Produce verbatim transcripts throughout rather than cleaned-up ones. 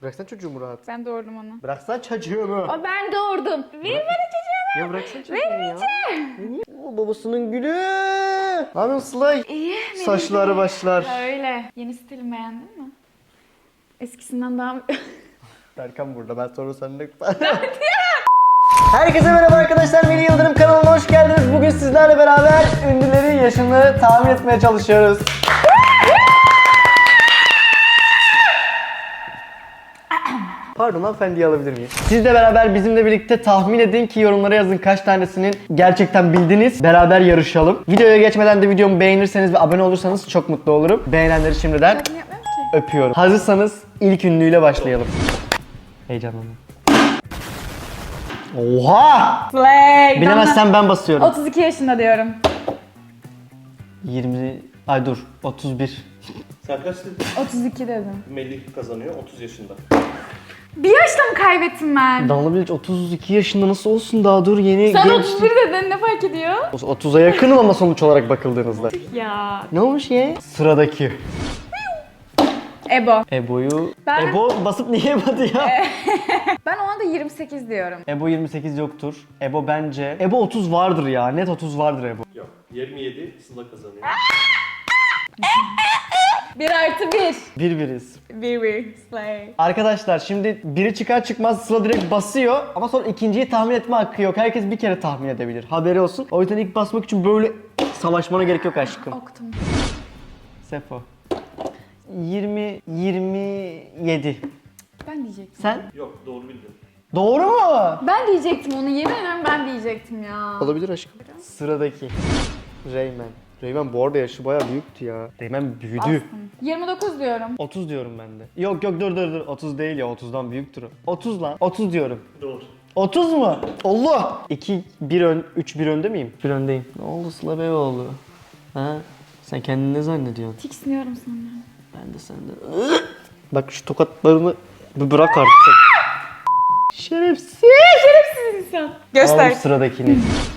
Bıraksan çocuğumu rahat. Ben doğurdum onu. Bıraksan çocuğumu. O ben doğurdum. Verin bana çocuğumu. Ya bıraksan çocuğumu ya. O babasının gülü. Ne yapıyorsun Sıla'y? İyi. Saçları başlar. Öyle. Yeni stilimi beğendin mi? Eskisinden daha... Berkan burada. Ben sonra seninle... Herkese merhaba arkadaşlar. Melih Yıldırım kanalına hoş geldiniz. Bugün sizlerle beraber ünlülerin yaşını tahmin etmeye çalışıyoruz. Pardon, hanımefendiyi alabilir miyim? Siz de beraber bizimle birlikte tahmin edin ki yorumlara yazın kaç tanesinin gerçekten bildiniz. Beraber yarışalım. Videoya geçmeden de videomu beğenirseniz ve abone olursanız çok mutlu olurum. Beğenenleri şimdiden Yapmıyorum ki. öpüyorum. Hazırsanız ilk ünlüyle başlayalım. Heyecanlandım. Oha! Flag. Bilemezsen ben basıyorum. otuz iki yaşında diyorum. yirmi... Ay dur. otuz bir. Sen kaç dedin? otuz iki dedim. Melih kazanıyor otuz yaşında. Bir yaşta mı kaybettim ben? Damla Bilic otuz iki yaşında nasıl olsun, daha dur yeni Sen genç. otuz bir dedin, ne fark ediyor? otuza yakınım ama sonuç olarak bakıldığınızda. Ya. Ne olmuş ya? Sıradaki. Ebo. Ebo'yu... Ben- Ebo basıp niye yapmadı ya? Ben ona da yirmi sekiz diyorum. Ebo yirmi sekiz yoktur. Ebo bence... Ebo otuz vardır ya. Net otuz vardır Ebo. Yok. yirmi yedi Sıla kazanıyor. bir artı bir. Bir biriz. Bir bir. Slay. Arkadaşlar şimdi biri çıkar çıkmaz Sıla direkt basıyor ama sonra ikinciyi tahmin etme hakkı yok. Herkes bir kere tahmin edebilir. Haberi olsun. O yüzden ilk basmak için böyle savaşmana gerek yok aşkım. Oktum. Sefo. yirmi yirmi yedi. Ben diyecektim. Sen? Yok, doğru bildin. Doğru mu? Ben diyecektim onu, yemin ederim ben diyecektim ya. Olabilir aşkım. Sıradaki. Reymen. Reymen bu arada yaşı bayağı büyüktü ya. Reymen büyüdü. Bastım. yirmi dokuz diyorum. otuz diyorum ben de. Yok yok dur dur dur. otuz değil ya, otuzdan büyüktür o. otuz lan. otuz diyorum. Doğru. otuz mu? Allah! iki bir ön, üç bir önde miyim? bir öndeyim. Ne oldu Sıla Beyoğlu? Ha? Sen kendini ne zannediyorsun? Tiksiniyorum senden. Ben de senden. Bak şu tokatlarını bir bırak artık. Şerefsiz. Şerefsiz insan. Göster. Al sıradakini.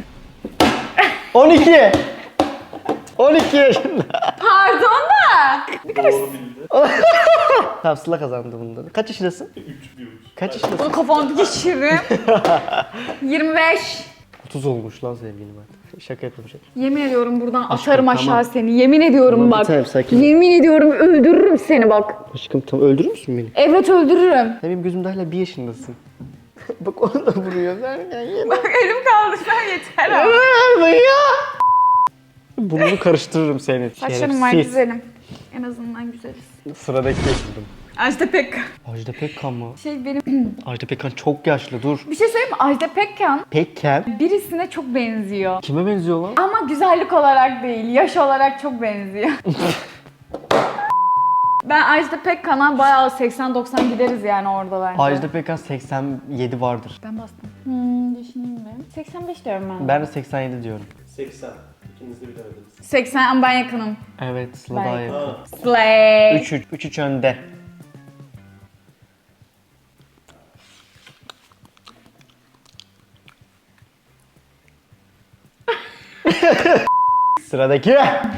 on iki. on iki yaşında. Pardon da. Doğru bildin. Tamam, Sıla kazandı bunda. Kaç yaşındasın? üç bir üç. Kaç yaşındasın? Bunu kafamda geçiririm. yirmi beş. otuz olmuş lan sevgilim artık. Şaka yapıyorum şaka. Yemin ediyorum buradan Aşkım, atarım aşağı tamam. seni. Yemin ediyorum Tamam, bir bak. tanem, sakin ol. Yemin ediyorum öldürürüm seni bak. Aşkım tam öldürür müsün beni? Evet öldürürüm. Sen benim gözümde hala bir yaşındasın. Bak onu da vuruyor. Vergen yine. Bak elim kaldırsan yeter ama. Verme ya. Burnunu karıştırırım seni. Saçlarım var, Şerefsiz. güzelim. En azından güzeliz. Sıradaki buldum. Ajda Pekkan. Ajda Pekkan mı? Şey benim... Ajda Pekkan çok yaşlı, dur. Bir şey söyleyeyim mi? Ajda Pekkan Pekkan? birisine çok benziyor. Kime benziyor lan? Ama güzellik olarak değil, yaş olarak çok benziyor. Ben Ajda Pekkan'a bayağı seksen doksan gideriz yani orada bence. Ajda Pekkan seksen yedi vardır. Ben bastım. Hmm, düşüneyim ben. seksen beş diyorum ben. Ben de seksen yedi diyorum. seksen. İkiniz de bilemediniz. seksen ama ben yakınım. Evet, Sıla Ben- daha yakın. Ha. Slay. üç üç, üç üç önde. Sıradaki.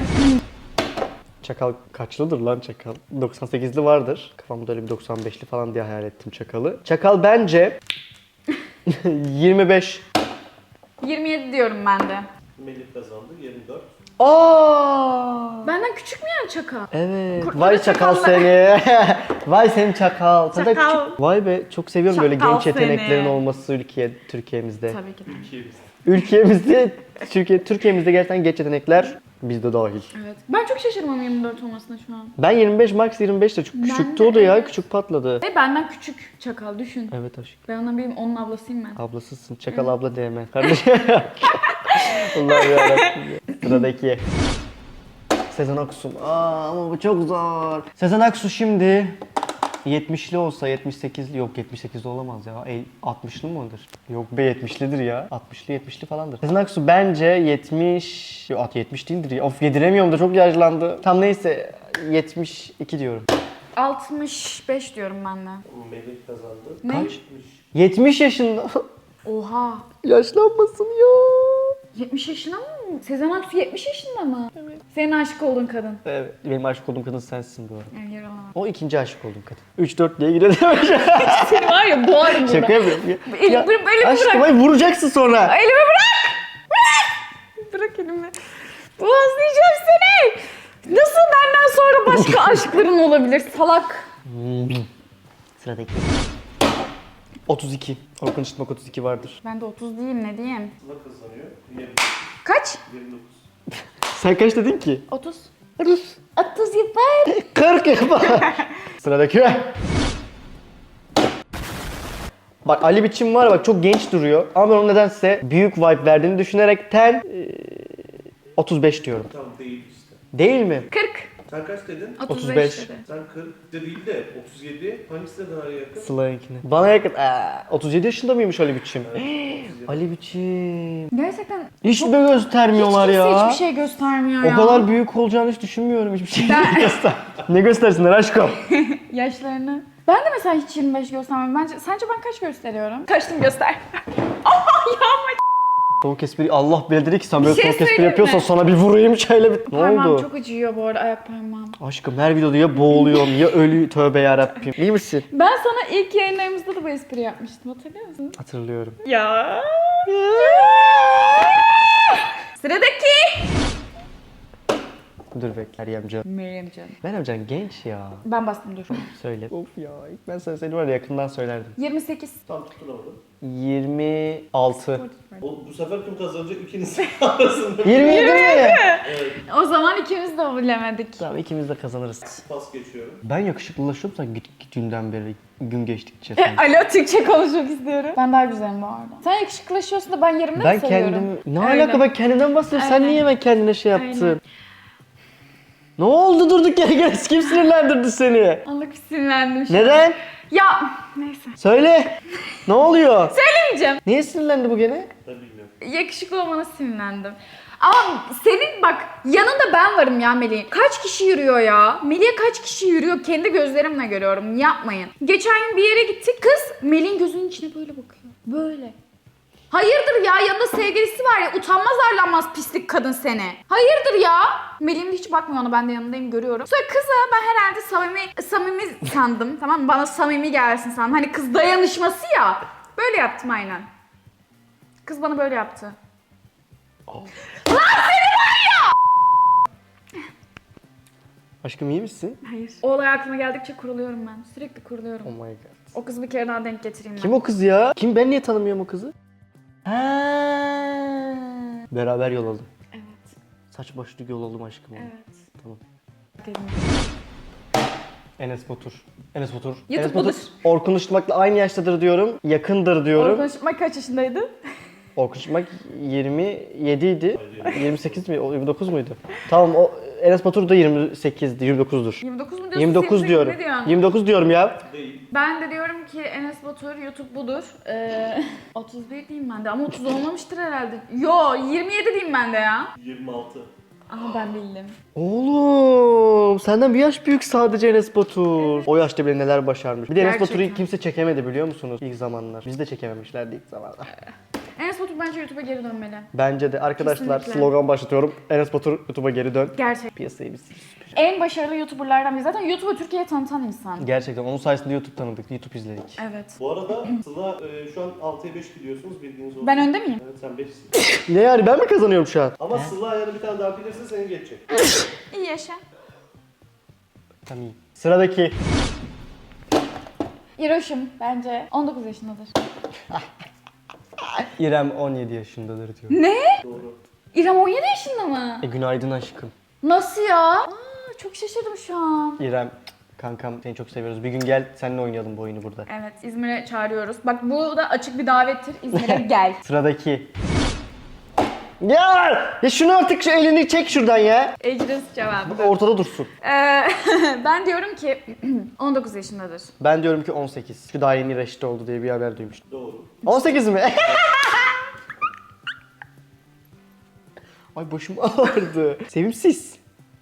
Çakal kaçlıdır lan Çakal? doksan sekizli vardır. Kafamda öyle bir doksan beşli falan diye hayal ettim Çakal'ı. Çakal bence yirmi beş. yirmi yedi diyorum ben de. Melih kazandı yirmi dört. Aa! Benden küçük mü yani Çaka? Evet. Kurtları Vay Çakal çakallar. seni. Vay senin Çakal. Sen de Çakal. küçük. Vay be, çok seviyorum böyle Çakal genç yeteneklerin seni. olması ülke Türkiye'mizde. Tabii ki de. Ülkemiz. Ülkemizde, Türkiye, Türkiye'mizde gerçekten genç yetenekler bizde dahil. Evet. Ben çok şaşırmam yirmi dört olmasına şu an. Ben yirmi beş, Max yirmi beş de çok Ben küçüktü de, o da ya, evet. küçük patladı. Ve benden küçük Çakal, düşün. Evet aşkım. Ben ondan biriyim, onun ablasıyım ben. Ablasısın. Çakal abla deme. Kardeşim. Allah'ım yarabbim. Sıradaki. Sezen Aksu. Aa ama bu çok zor. Sezen Aksu şimdi yetmişli olsa, yetmiş sekizli, yok yetmiş sekizli olamaz ya. E, altmışlı mıdır? Yok be, yetmişlidir ya. altmışlı yetmişli falandır. Sezen Aksu bence yetmiş... Yok yetmiş değildir ya. Of, yediremiyorum da çok yaşlandı. Tam neyse yetmiş iki diyorum. altmış beş diyorum ben de. Melih kazandı. Ne? Kaç? yetmiş yaşında. Oha. Yaşlanmasın ya. yetmiş yaşında mı? Sezen Aksu yetmiş yaşında mı? Evet. Senin aşık olduğun kadın. Evet, benim aşık olduğum kadın sensin bu arada. Yani yaralama. O ikinci aşık olduğum kadın. üç dört diye gidiyor. Seni var ya boğarım burada. Şaka yapıyorum. Elimi, Ya, elimi bırak. aşkım ay vuracaksın sonra. Elimi bırak. Bırak. Bırak elimi. Boğazlayacağım seni. Nasıl benden sonra başka aşkların olabilir salak? Sıradaki. otuz iki. Orkun Işıtmak otuz iki vardır. Ben de otuz değilim ne diyeyim. Sıla kazanıyor. yirmi, Kaç? yirmi dokuz. Sen kaç dedin ki? otuz. otuz yapar. kırk yapar. Sıradaki. Bak Ali Biçim var ya, bak çok genç duruyor. Ama ben onun nedense büyük vibe verdiğini düşünerekten e, otuz beş diyorum. Tam değil işte. Değil mi? kırk. Sen kaç dedin? otuz beş dedi. Sen kırk de değil de otuz yedi. Hangisi de daha yakın? Sıla'yınkine. Bana yakın. Aa, otuz yedi yaşında mıymış Ali Biçim? Evet, otuz yedi. Ali Biçim. Gerçekten Hiç çok- mi göstermiyorlar hiç kimse ya? hiçbir şey göstermiyor O ya. kadar büyük olacağını hiç düşünmüyorum. Hiçbir şey Ben- göster. Ne göstersinler aşkım? Yaşlarını. Ben de mesela hiç yirmi beş göstermem. Bence, sence ben kaç gösteriyorum? Kaçtım göster. Aa ya ama Soğuk espri. Allah bilir dedi ki sen böyle Bir şey soğuk espri söyleyeyim yapıyorsan mi? sana bir vurayım şöyle bir. Ne parmağım oldu? çok acıyor bu arada ayak parmağım. Aşkım her videoda ya boğuluyorum ya ölü tövbe yarabbim. İyi misin? Ben sana ilk yayınlarımızda da bu espri yapmıştım hatırlıyor musun? Hatırlıyorum. Ya. Sıradaki. Dur bekle Meryem Can. Meryem canım. Meryem Can genç ya. Ben bastım dur. Söyle. Of ya ilk ben sana seni var ya yakından söylerdim. yirmi sekiz. Tam tutturamadım. yirmi altı. O, bu sefer kim kazanacak ikiniz arasında? yirmi yedi mi? Evet. O zaman ikimiz de bilemedik. Tamam ikimiz de kazanırız. Pas geçiyorum. Ben yakışıklılaşıyorum sen git gittiğinden beri gün geçtikçe. sen. Alo Türkçe konuşmak istiyorum. Ben daha güzelim bu arada. Sen yakışıklılaşıyorsun da ben yerimde Ben mi sayıyorum? kendim... Ne Öyle. alaka ben kendimden bahsediyorum. Sen Aynen. niye ben kendine şey yaptın? Aynen. Ne oldu durduk yere gene kim sinirlendirdi seni? Allah bir sinirlendim şimdi. Neden? Ya neyse. Söyle. Ne oluyor? Söylemeyeceğim. Niye sinirlendi bu gene? Ben bilmiyorum. Yakışıklı olmana sinirlendim. Ama senin bak yanında ben varım ya Melih. Kaç kişi yürüyor ya? Melih'e kaç kişi yürüyor? Kendi gözlerimle görüyorum. Yapmayın. Geçen gün bir yere gittik. Kız Melih'in gözünün içine böyle bakıyor. Böyle. Hayırdır ya? Yanında sevgilisi var ya. Utanmaz arlanmaz pislik kadın seni. Hayırdır ya? Melih'im de hiç bakmıyor ona. Ben de yanındayım görüyorum. Sonra kıza ben herhalde samimi, samimi sandım. Tamam mı? Bana samimi gelsin sandım. Hani kız dayanışması ya. Böyle yaptım aynen. Kız bana böyle yaptı. Aşkım iyi misin? Hayır. O olay aklıma geldikçe kuruluyorum ben. Sürekli kuruluyorum. Oh my god. O kızı bir kere daha denk getireyim ben. Kim o kız ya? Kim ben niye tanımıyorum o kızı? Ha. Beraber yol aldım. Evet. Saç başlı yol aldım aşkım. Evet. Tamam. Dedim. Enes Batur. Enes Batur. YouTube Enes Batur. budur. Orkun Işıtmak'la aynı yaştadır diyorum. Yakındır diyorum. Orkun Işıtmak kaç yaşındaydı? Orkun Işıtmak yirmi yedi idi. Hayır. yirmi sekiz mi? O yirmi dokuz muydu? Tamam o Enes Batur da yirmi sekizdi, yirmi dokuzdur. yirmi dokuz mu diyorsun? yirmi dokuz sekiz mi? diyorum. Ne diyorsun? yirmi dokuz diyorum ya. Değil. Ben de diyorum ki Enes Batur YouTube budur. Ee, otuz bir diyeyim ben de ama otuz olmamıştır herhalde. Yo yirmi yedi diyeyim ben de ya. yirmi altı. Ama ben bildim. Oğlum senden bir yaş büyük sadece Enes Batur. O yaşta bile neler başarmış. Bir de Enes Gerçekten. Batur'u kimse çekemedi biliyor musunuz ilk zamanlar. Biz de çekememişlerdi ilk zamanlar. Enes Batur bence YouTube'a geri dönmeli. Bence de arkadaşlar Kesinlikle. slogan başlatıyorum. Enes Batur YouTube'a geri dön. Gerçek. Piyasayı biz. En başarılı YouTuber'lardan biri. Zaten YouTube'u Türkiye'ye tanıtan insan. Gerçekten onun sayesinde YouTube tanıdık, YouTube izledik. Evet. Bu arada Sıla e, şu an altıya beş gidiyorsunuz bildiğiniz olsun. Ben önde miyim? Evet sen beşsin. Ne yani ben mi kazanıyorum şu an? Ama Sıla yani bir tane daha bilirse seni geçecek. İyi yaşa. Tamam iyi. Sıradaki. İroş'um bence on dokuz yaşındadır. İrem on yedi yaşındadır diyor. Ne? Doğru. İrem on yedi yaşında mı? E günaydın aşkım. Nasıl ya? Aa, çok şaşırdım şu an. İrem kankam seni çok seviyoruz. Bir gün gel seninle oynayalım bu oyunu burada. Evet İzmir'e çağırıyoruz. Bak bu da açık bir davettir. İzmir'e gel. Sıradaki. Ya! Ya şunu artık şu elini çek şuradan ya. Ecris cevabı. Ortada dursun. Ee, ben diyorum ki on dokuz yaşındadır. Ben diyorum ki on sekiz. Şu daha yeni reşit oldu diye bir haber duymuştum. Doğru. on sekiz mi? Ay başım ağrıdı. Sevimsiz.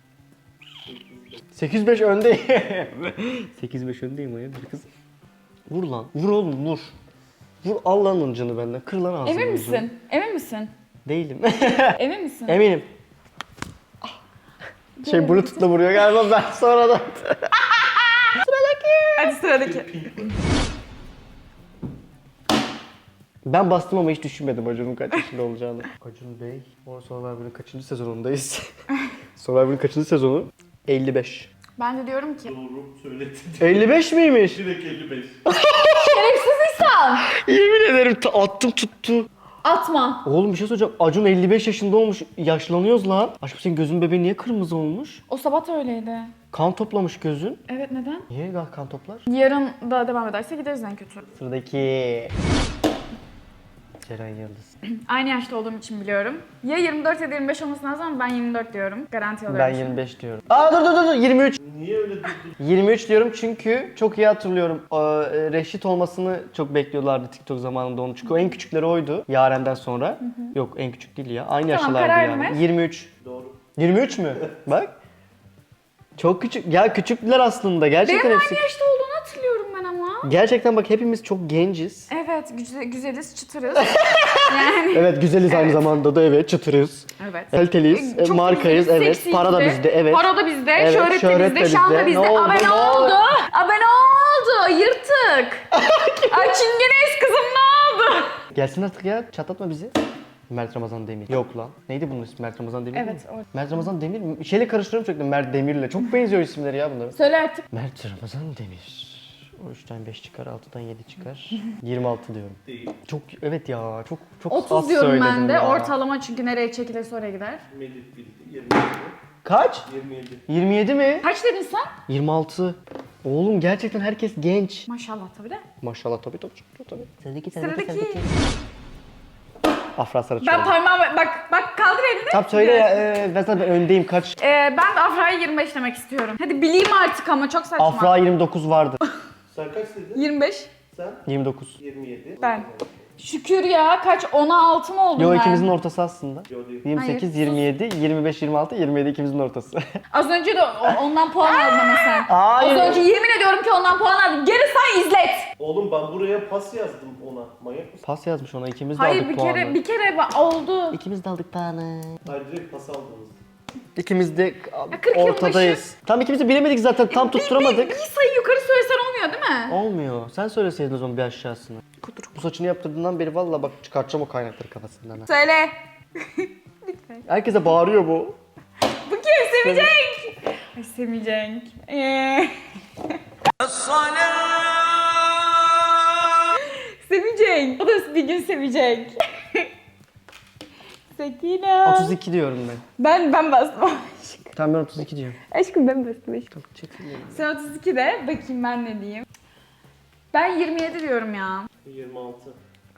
sekiz beş öndeyim. sekiz beş öndeyim hayırdır kız. Vur lan. Vur oğlum vur. Vur Allah'ın canı benden. Kır lan ağzını. Emin yüzünü. misin? Emin misin? Değilim. Emin misin? Eminim. Şey Bluetooth'la vuruyor galiba ben sonradan. Hadi sıradaki. Ben bastım ama hiç düşünmedim Acun'un kaç yaşında olacağını. Acun Bey, o Survivor'ın kaçıncı sezonundayız? Survivor'ın kaçıncı sezonu? elli beş. Ben de diyorum ki Doğru söyledin. elli beş miymiş? Direkt elli beş. şerefsiz insan. Yemin ederim ta- attım tuttu. Atma. Oğlum bir şey söyleyeceğim. Acun elli beş yaşında olmuş. Yaşlanıyoruz lan. Aşkım senin gözün bebeğin niye kırmızı olmuş? O sabah da öyleydi. Kan toplamış gözün. Evet, neden? Niye kan toplar? Yarın da devam ederse gideriz en kötü. Sıradaki. Ceren Yıldız. Aynı yaşta olduğum için biliyorum. Ya yirmi dört ya da yirmi beş olması lazım ama ben yirmi dört diyorum. Garanti alıyorum. Ben yirmi beş diyorum. Aa dur dur dur dur yirmi üç. Niye öyle durdun? yirmi üç diyorum çünkü çok iyi hatırlıyorum. Ee, Reşit olmasını çok bekliyorlardı TikTok zamanında onu. Çünkü o en küçükleri oydu Yaren'den sonra. Yok en küçük değil ya. Aynı Tamam, yaşlardı kararını yani. ver. yirmi üç. Doğru. yirmi üç mü? Bak. Çok küçük. Ya küçükler aslında. Gerçekten Benim hepsi. aynı yaşta olduğunu hatırlıyorum ben ama. Gerçekten bak hepimiz çok genciz. Evet, güzel, güzeliz, çıtırız. yani. Evet güzeliz aynı zamanda da evet çıtırız. Evet. Kaliteliyiz, Ee, e, çok markayız güzeliz, evet, seksiyiz para da de. bizde evet. Para da bizde, Evet, şöhret, şöhret de de bizde, şan da bizde. bizde. Ne oldu, Abe ne ne oldu? oldu? Abe ne oldu? Yırtık. Ay çingeneyiz kızım ne oldu? Gelsin artık ya çatlatma bizi. Mert Ramazan Demir. Yok lan. Neydi bunun ismi? Mert Ramazan Demir Evet, mi? o. Mert Ramazan Demir mi? Şeyle karıştırıyorum sürekli Mert Demir'le. Çok benziyor isimleri ya bunların. Söyle artık. Mert Ramazan Demir. O üçten beş çıkar, altıdan yedi çıkar. yirmi altı diyorum. Değil. Çok evet ya çok çok otuz az diyorum söyledim ben de. ya. Ortalama çünkü nereye çekilirse oraya gider. Melih bildi. yirmi yedi. Kaç? yirmi yedi. yirmi yedi mi? Kaç dedin sen? yirmi altı. Oğlum gerçekten herkes genç. Maşallah tabii de. Maşallah tabii tabii tabii. tabii. Sıradaki Sıradaki. Afra Saraçoğlu. Ben parmağımı bak bak kaldır elini. Tamam söyle ya. E, ben zaten öndeyim kaç? Ee, ben de Afra'ya yirmi beş demek istiyorum. Hadi bileyim artık ama çok saçma. Afra yirmi dokuz vardı. Sen kaç dedin? yirmi beş. Sen? yirmi dokuz. yirmi yedi. Ben. Şükür ya kaç ona altı mı oldum Yo ben? ikimizin ortası aslında. Yo değil. yirmi sekiz, Hayır, yirmi yedi, yirmi beş, yirmi altı, yirmi yedi ikimizin ortası. Az önce de o- ondan puan aldın ama sen. Hayır. Az önce yemin ediyorum ki ondan puan aldım. Geri say izlet. Oğlum ben buraya pas yazdım ona. Manyak mısın? Pas yazmış ona ikimiz de Hayır aldık bir puanı. kere bir kere ba- oldu. İkimiz de aldık puanı. Hayır direkt pas aldınız. İkimiz de kırk yılbaşı. ortadayız. Tam ikimiz de bilemedik zaten tam Bir, bir, tutturamadık. bir sayı yukarı söylesen olmuyor değil mi? Olmuyor. Sen söyleseydin o zaman bir aşağısını. Bu saçını yaptırdığından beri valla bak çıkartacağım o kaynakları kafasından. ha. Söyle. Herkese bağırıyor bu. Bu kim? Sevecek. Ay sevecek. Ee... sevecek. O da bir gün sevecek. Sekine. otuz iki diyorum ben. Ben ben bastım. Tamam ben otuz iki diyorum. Aşkım ben bastım aşkım. Çok çekil. Sen otuz iki de bakayım ben ne diyeyim. Ben yirmi yedi diyorum ya. yirmi altı.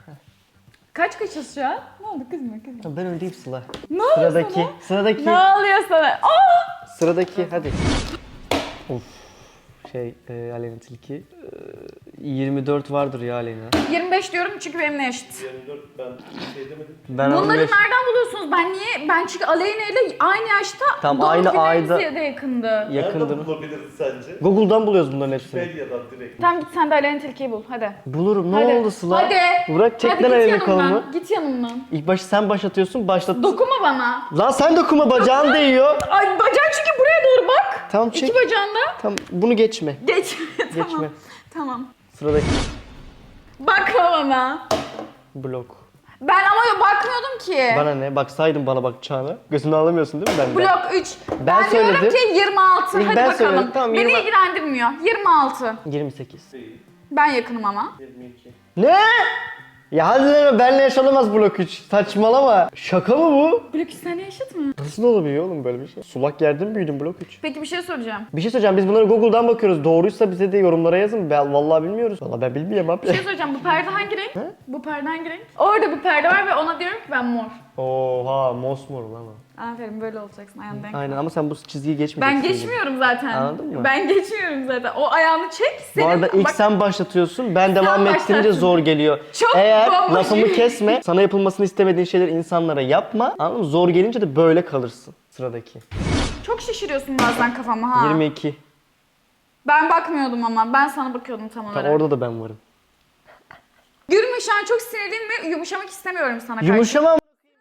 Kaç kaçız şu an? Ne oldu kızma kızma. Tamam ben öndeyim Sıla. Ne oluyor Sıradaki. sana? Sıradaki. Ne oluyor sana? Aa! Sıradaki hadi. Of. Şey e, Alena Tilki. E, yirmi dört vardır ya Alena. yirmi beş diyorum çünkü benimle eşit. yirmi dört ben şey demedim. Ben Bunları on beş nereden buluyorsunuz? Ben niye? Ben çünkü Aleyna ile aynı yaşta Tam doğum aynı günlerimiz ayda- ya da yakındı. yakındır. Nereden bulabiliriz sence? Google'dan buluyoruz bunların hepsini. Wikipedia'dan direkt. Tamam git sen de Aleyna Tilki'yi bul hadi. Bulurum. Ne Hadi. oldu Sıla? Hadi. Bırak çek Hadi lan git elini yanımdan. kolumu. Git yanımdan. İlk başta sen başlatıyorsun. Başlat. Dokunma bana. Lan sen dokuma bacağın değiyor. Ay bacağın çünkü buraya doğru bak. Tamam çek. İki bacağında. Tamam bunu geçme. Geç. tamam. Geçme. Tamam. Sıradaki Bakma bana. blok. Ben ama bakmıyordum ki. Bana ne? Baksaydın bana bakacağını. Gözünü alamıyorsun değil mi benden? Blok üç. Ben Ben, diyorum söyledim. ki yirmi altı. İlk Hadi ben bakalım. söyledim. Tamam, Beni yirmi ilgilendirmiyor. yirmi altı. yirmi sekiz. Değil. Ben yakınım ama. yirmi iki. Ne? Ya hadi deme benle yaşanamaz blok üç. Saçmalama. Şaka mı bu? Blok üç sene yaşıt mı? Nasıl olabiliyor oğlum böyle bir şey? Sulak yerde mi büyüdün blok üç? Peki bir şey soracağım. Bir şey söyleyeceğim biz bunları Google'dan bakıyoruz. Doğruysa bize de yorumlara yazın. Ben vallahi bilmiyoruz. Vallahi ben bilmiyorum abi. Bir şey soracağım. Bu perde hangi renk? He? Bu perde hangi renk? Orada bir perde var ve ona diyorum ki ben mor. Oha mosmor lan o. Aferin böyle olacaksın ayağını denk. Aynen ama sen bu çizgiyi geçmeyeceksin. Ben gibi. geçmiyorum zaten. Anladın mı? Ben geçmiyorum zaten. O ayağını çek. Bu Senin, arada ilk bak, sen başlatıyorsun, ben devam ettirince başlattın. zor geliyor. Çok Eğer bomboş. lafımı kesme, sana yapılmasını istemediğin şeyleri insanlara yapma. Anladın mı? Zor gelince de böyle kalırsın. Sıradaki. çok şişiriyorsun bazen kafamı ha. yirmi iki. Ben bakmıyordum ama. Ben sana bakıyordum tam olarak. Tam orada da ben varım. Gülme şu an çok sinirliyim ve yumuşamak istemiyorum sana karşı. Yumuşamam.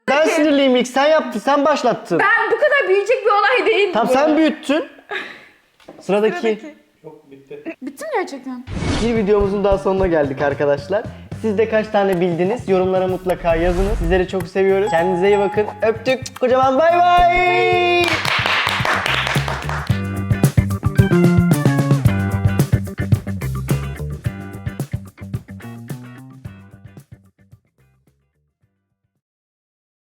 Ben sinirliyim ilk. Sen yaptın. Sen başlattın. Ben bu kadar büyüyecek bir olay değil. Tamam bu. sen büyüttün. Sıradaki. Sıradaki. Yok bitti. Bitti mi gerçekten? Bir videomuzun daha sonuna geldik arkadaşlar. Siz de kaç tane bildiniz? Yorumlara mutlaka yazınız. Sizleri çok seviyoruz. Kendinize iyi bakın. Öptük. Kocaman bay bay.